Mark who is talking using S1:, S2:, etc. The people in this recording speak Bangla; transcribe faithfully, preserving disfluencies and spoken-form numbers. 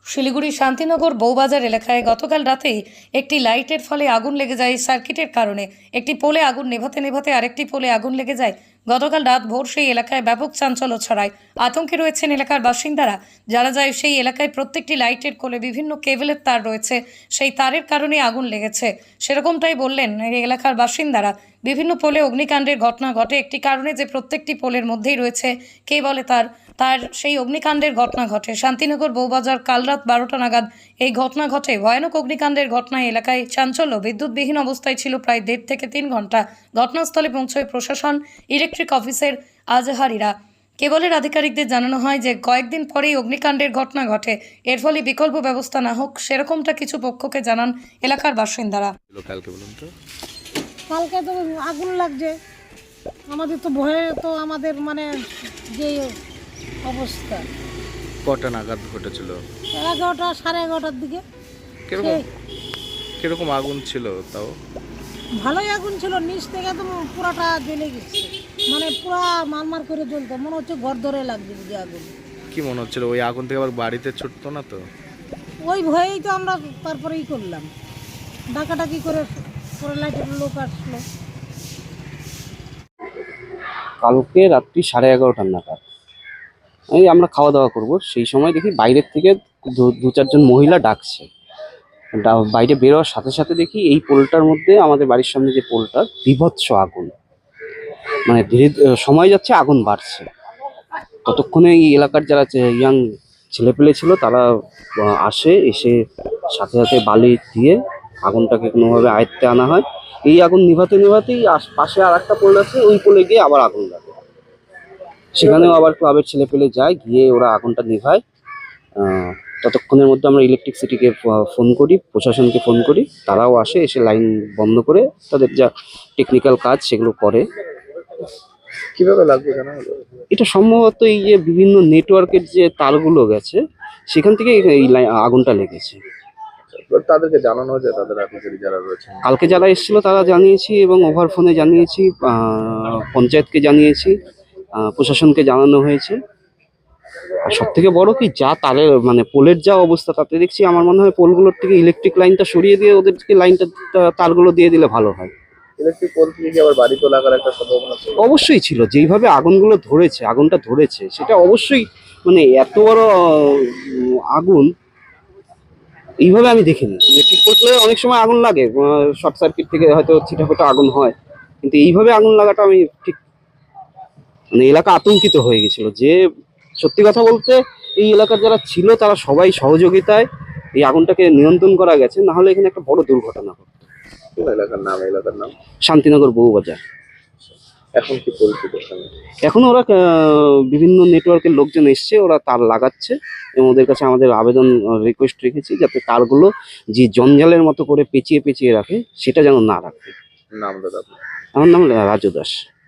S1: শিলিগুড়ি শান্তিনগর বউবাজার এলাকায় গতকাল রাতেই একটি লাইটের ফলে আগুন লেগে যায়। সার্কিটের কারণে একটি পোলে আগুন নেভাতে নেভাতে আরেকটি পোলে আগুন লেগে যায়। গতকাল রাত ভোর সেই এলাকায় ব্যাপক চাঞ্চল্য ছড়ায়। আতঙ্কে রয়েছেন এলাকার বাসিন্দারা। যারা যায় সেই এলাকায় প্রত্যেকটি লাইটের কোলে বিভিন্ন কেবলের তার রয়েছে, সেই তারের কারণে আগুন লেগেছে সেরকমটাই বললেন এই এলাকার বাসিন্দারা। বিভিন্ন পোলে অগ্নিকাণ্ডের ঘটনা ঘটে একটি কারণে যে প্রত্যেকটি পোলের মধ্যেই রয়েছে কে বলে তার তার সেই অগ্নিকাণ্ডের ঘটনা ঘটে। শান্তিনগর বউবাজার কাল রাত বারোটা নাগাদ এই ঘটনা ঘটে। ভয়ানক অগ্নিকাণ্ডের ঘটনায় এলাকায় চাঞ্চল্য। বিদ্যুৎবিহীন অবস্থায় ছিল প্রায় দেড় থেকে তিন ঘন্টা। ঘটনাস্থলে পৌঁছয় প্রশাসন, ইলেকট্রিক অফিসের আজহারিরা। কেবলের আধিকারিকদের জানানো হয় যে কয়েকদিন পরেই অগ্নিকাণ্ডের ঘটনা ঘটে, এর ফলে বিকল্প ব্যবস্থা না হোক সেরকমটা কিছু পক্ষকে জানান এলাকার বাসিন্দারা।
S2: কালকে বলুন তো
S3: কালকে তো আগুন লাগছে, আমাদের তো ভয়ে তো আমাদের মানে যে অবস্থা।
S2: কটা নাগাদ ঘটেছিল?
S3: এগারোটা সাড়ে এগারোটার দিকে।
S2: কিরকম
S3: সেই
S2: কিরকম আগুন ছিল? তাও
S3: ভালোই আগুন ছিল, নিচ থেকে একদম পুরাটা জ্বলে গেছে, মানে পুরা মারমার করে জ্বলতো, মনে হচ্ছে ঘর ধরে লাগছে যে আগুন।
S2: কি মনে হচ্ছিল ওই আগুন থেকে আবার বাড়িতে ছুটতো না তো?
S3: ওই ভয়েই তো আমরা তারপরেই করলাম, ডাকাডাকি করে পরে লাইটের লোক আসলো।
S4: কালকে রাত্রি সাড়ে এগারোটার নাগাদ এই আমরা খাওয়া দাওয়া করব, সেই সময় দেখি বাইরের থেকে দু- দু চারজন মহিলা ডাকছে। ডা- বাইরে বেরোয়ার সাথে সাথে দেখি এই পোলটার মধ্যে, আমাদের বাড়ির সামনে যে পোলটা, বীভৎস আগুন, মানে ধীরে ধীরে সময় যাচ্ছে আগুন বাড়ছে। ততক্ষণে এই এলাকার যারা ইয়াং ছেলেপেলে ছিল তারা আহ, আসে, এসে সাথে সাথে বালি দিয়ে আগুনটাকে কোনোভাবে আয়ত্তে আনা হয়। এই আগুন নিভাতে নিভাতেই আশ- পাশে আর একটা পোল আছে, ওই পোলে গিয়ে আবার আগুন লাগে। সেখানেও আবার ক্লাবের ছেলে পেলে যায়, গিয়ে ওরা আগুনটা নিভায়। আহ, ততক্ষণের মধ্যে আমরা ইলেকট্রিসিটিকে ফোন করি, প্রশাসনকে ফোন করি, তারাও আসে, এসে লাইন বন্ধ করে তাদের যা টেকনিক্যাল কাজ সেগুলো করে।
S2: কিভাবে লাগবে জানা হলো?
S4: এটা সম্ভবত এই যে বিভিন্ন নেটওয়ার্কের যে তারগুলো গেছে সেখান থেকে এই এই লাই- আগুনটা লেগেছে।
S2: তাদেরকে জানানো হয়েছে, তাদের আধিকারিক যারা রয়েছে?
S4: কালকে যারা এসেছিল তারা জানিয়েছি, এবং ওভার ফোনে জানিয়েছি, আহ, পঞ্চায়েতকে জানিয়েছি, আহ, প্রশাসনকে জানানো হয়েছে। আর সব থেকে বড় কি, যা তারের মানে পোলের যা অবস্থা, তাতে দেখছি আমার মনে হয় পোলগুলোর থেকে ইলেকট্রিক লাইনটা সরিয়ে দিয়ে ওদেরকে লাইনটা তা- তারগুলো দিয়ে দিলে ভালো হয়।
S2: ইলেকট্রিক পোল থেকে কি আবার বাড়ি তো লাগার একটা সম্ভাবনা ছিল?
S4: অবশ্যই ছিল, যেইভাবে আগুনগুলো ধরেছে, আগুনটা ধরেছে, সেটা অবশ্যই মানে এত বড় উম, আগুন এইভাবে আমি দেখিনি। ইলেকট্রিক পোলে অনেক সময় আগুন লাগে, শর্ট সার্কিট থেকে হয়তো ছিটাফোটা আগুন হয়, কিন্তু এইভাবে আগুন লাগাটা আমি ঠিক, মানে এলাকা আতঙ্কিত হয়ে গেছিল। যে সত্যি কথা বলতে এই এলাকার যারা ছিল তারা সবাই সহযোগিতায় এই আগুনটাকে নিয়ন্ত্রণ করা গেছে, না হলে এখানে একটা বড় দুর্ঘটনা হতো।
S2: কোন এলাকার নাম? এলাকার নাম
S4: শান্তিনগর বউবাজার।
S2: এখন কি পরিস্থিতি ওখানে?
S4: এখন ওরা আহ, বিভিন্ন নেটওয়ার্কের লোকজন এসছে, ওরা তার লাগাচ্ছে, এবং ওদের কাছে আমাদের আবেদন রিকোয়েস্ট রেখেছি যাতে তারগুলো যে জঞ্জালের মতো করে পেঁচিয়ে পেঁচিয়ে রাখে সেটা যেন না রাখে।
S2: নাম দাদা আপনার?
S4: আমার নাম রাজু দাস।